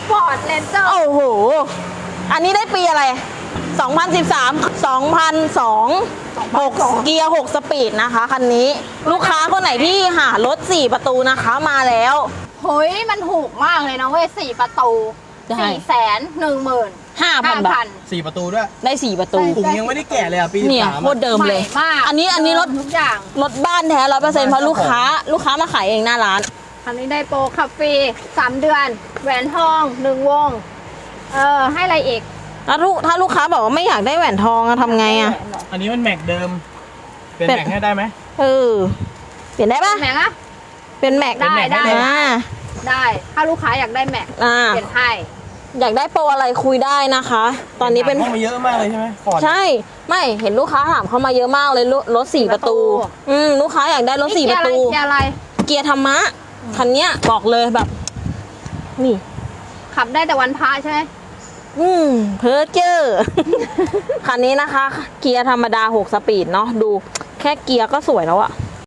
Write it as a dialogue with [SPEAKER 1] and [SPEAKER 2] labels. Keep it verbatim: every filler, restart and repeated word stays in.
[SPEAKER 1] ฟอร์ดเรนเจอร์
[SPEAKER 2] โอ้โหอันนี้ได้ปีอะไรสองพันสิบสาม สองพันสอง หกเกียร์หกสปีดนะคะคันนี้ลูกค้าคนไหนที่หารถสี่ประตูนะคะมาแล้ว
[SPEAKER 1] เฮ้ยมันถูกมากเลยนะเว้ยสี่ประตูสี่แสนหนึ่งหมื่น
[SPEAKER 2] ห้าพันบาท
[SPEAKER 3] สี่ประตูด้วย
[SPEAKER 2] ได้สี่ประตู
[SPEAKER 3] ถุงยังไม่ได้แกะเลยอ่ะปี
[SPEAKER 2] เนี่ยโคตรเดิมเลยอันนี้อันนี้รถ
[SPEAKER 1] ทุกอย่าง
[SPEAKER 2] รถบ้านแท้ร้อยเปอร์เซ็นต์เพราะลูกค้าลูกค้ามาขายเองหน้าร้าน
[SPEAKER 1] อันนี้ได้โปรขับฟรีสามเดือนแหวนทองหนึ่งวงเออให้อะไรอีก
[SPEAKER 2] ถ้าลูกถ้าลูกค้าบอกว่าไม่อยากได้แหวนทองอะทำไงอะ
[SPEAKER 3] อันนี้มันแม็กเดิมเป็นแม็กให้ได้ไหม
[SPEAKER 2] เออเปลี่ยนได้ปะ
[SPEAKER 1] แม็กอะ
[SPEAKER 2] เป็นแม็ก
[SPEAKER 1] ได้ได้
[SPEAKER 2] ได้
[SPEAKER 1] ถ้าลูกค้าอยากได้แม็กเปลี่ยนให้
[SPEAKER 2] อยากได้โปรอะไรคุยได้นะคะ ตอนนี้เป็น
[SPEAKER 3] เข้ามาเยอะมากเลยใช่ไหม
[SPEAKER 2] ใช่ไม่เห็นลูกค้าถามเข้ามาเยอะมากเลยรถสี่ประตูอืมลูกค้าอยากได้รถสี่ประตู
[SPEAKER 1] เกียร์อะไร
[SPEAKER 2] เกียร์ธรรมะคันเนี้ยบอกเลยแบบนี่
[SPEAKER 1] ขับได้แต่วันพระใช่ไหม
[SPEAKER 2] อืมเพอร์เจอร์คันนี้นะคะเกียร์ธรรมดาหกสปีดเนาะดูแค่เกียร์ก็สวยแล้วอะ